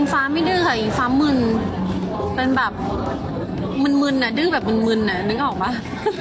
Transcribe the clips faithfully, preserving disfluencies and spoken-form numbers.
อิงฟ้าไม่ดื้อค่ะอิงฟ้ามึนเป็นแบบมึนๆน่ะดื้อแบบมึนๆน่ะนึกออกปะ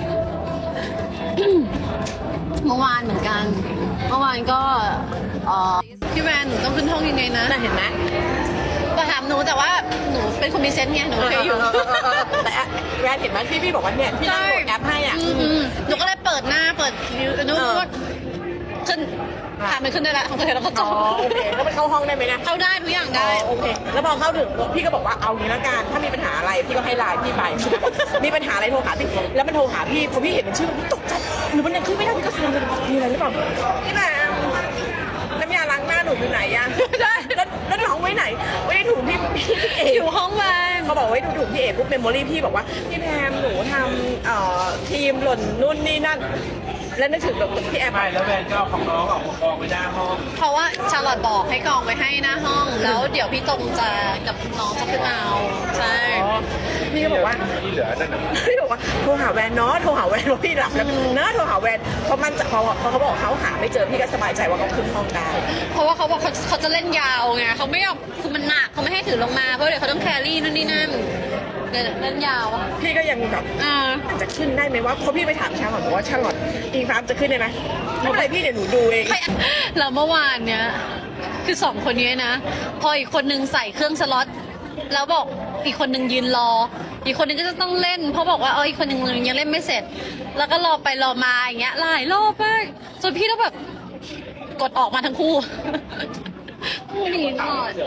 เมื่อวานเหมือนกัน เมื่อวานก็เอ่อพี่แวนหนูต้องขึ้นห้องยังไงนะน่าเห็นไหมก็ถามหนูแต่ว่าหนูเป็นคนมีเซนส์ไงหนูเคยอยู่แต่แวนเห็นไหมที่พี่บอกว่าเนี่ยพี่นั่งโหลดแอปให้อ่ะอืมหนูก็เลยเปิดหน้าเปิดวิวนู้นเออขึ้นผ่านไปขึ้นได้แล้วของเธอแล้วก็จอ๋อบ โอเคแล้วมันเข้าห้องได้ไหมนะเข้าได้ทุกอย่างอ๋ได้อโอเคแล้วพอเข้าถึงพี่ก็บอกว่าเอางี้ละกันถ้ามีปัญหาอะไรพี่ก็ให้ไลน์พี่ไปใช่ไหมบอกมีปัญหาอะไรโทรหาพี่แล้วมันโทรหาพี่พอพี่เห็นมันชื่อมันตกใจหรือมันยังขึ้นไม่ได้พี่ก็ซูมเลยมีอะไรหรือเปล่าพี่แม่น้ำยาล้างหน้าหนูอยู่ไหนอะได้แล้วแล้วน้องไว้ไหนไว้ในถุงพี่พี่เออยู่ห้องแวนเขาบอกไว้ในถุงพี่เอปุ๊บเมมโมรี่พี่บอกว่าพี่แพมหนูทำเอ่อทีมหล่นนู่นนี่นั่นแล้วนึกถึงแบบพี่แอมไม่แล้วแวนก็เอาของน้องออกมากองไว้หน้าห้องเพราะว่าชาลอตบอกให้กองไว้ให้หน้าห้อง แล้วเดี๋ยวพี่ตรงจะกับน้องจะขึ้นมาเอาใช่พี่ก็บอกว่าที่เหลือนั่นน่ะพี่บอกว่าโทรหาแวนเนาะโทรหาแวนว่าพี่หลับแล้วเนาะโทรหาแวนเพราะมันจะพอพอเขาบอกเขาหาไม่เจอพี่ก็สบายใจว่าเขาขึ้นห้องได้เพราะว่าเขาบอกเขาเขาจะเล่นยาวไงเขาไม่ยอมคือมันหนักเขาไม่ให้ถือลงมาเพราะเดี๋ยวเขาต้องแครี่นู่นนี่นั่นเดี๋ยวเล่นยาวอะพี่ก็ยังแบบอ่าจะขึ้นได้ไหมว่าเพราะพี่ไปถามชาลอตบอกว่าชาลอตอิงฟ้าจะขึ้นได้ไหมไม่เป็นไรพี่เดี๋ยวหนูดูเองใครแล้วเมื่อวานเนี้ยคือสองคนนี้นะ พออีกคนนึงใส่เครื่องสล็อตแล้วบอกอีกคนนึงยืนรอ อีกคนนึงก็จะต้องเล่น เพราะบอกว่าเอออีกคนนึงยังเล่นไม่เสร็จ แล้วก็รอไปรอมาอย่างเงี้ยหลายรอบมากจนพี่ต้องแบบกดออกมาทั้งคู่คู่นี้ตลอด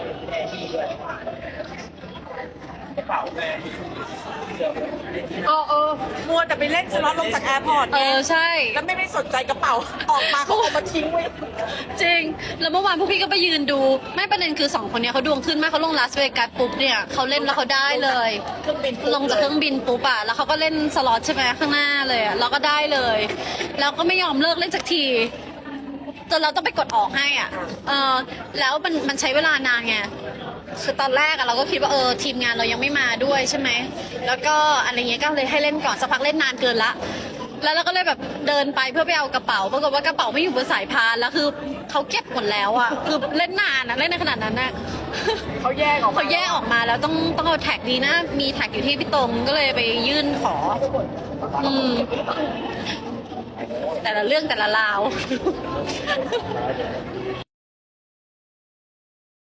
กระเป๋าแวนเออเออมัวแต่ไปเล่นสล็อตลงจากแอร์พอร์ตเออใช่แล้วไม่ไม่สนใจกระเป๋าออกมาเขาเอามาทิ้งไว้จริง แล้วเมื่อวานพวกพี่ก็ไปยืนดู ไม่ประเด็นคือสองคนเนี้ยเขาดวงขึ้นมากเขาลงลาสเวกัสปุ๊บเนี่ยเขาเล่นแล้วเขาได้เลยเครื่องบินปุ๊บลงจากเครื่องบินปุ๊บอะแล้วเขาก็เล่นสล็อตใช่ไหมข้างหน้าเลยอะเราก็ได้เลย แล้วก็ไม่ยอมเลิกเล่นสักทีจนเราต้องไปกดออกให้อ่ะเออแล้วมันมันใช้เวลานานไงคือตอนแรกอะเราก็คิดว่าเออทีมงานเรายังไม่มาด้วยใช่ไหมแล้วก็อะไรเงี้ยก็เลยให้เล่นก่อนสักพักเล่นนานเกินละ แล้วเราก็เลยแบบเดินไปเพื่อไปเอากระเป๋าปรากฏว่ากระเป๋าไม่อยู่บนสายพานแล้วคือเขาเก็บหมดแล้วอ่ะคือเล่นนานอะเล่นในขนาดนั้นอะเขาแยกออกมาเขาแยกออกมาแล้วต้องต้องเอาแท็กดีนะ มีแท็กอยู่ที่พี่ตรงก็เลยไปยื่นขอ อืม แต่ละเรื่องแต่ละราว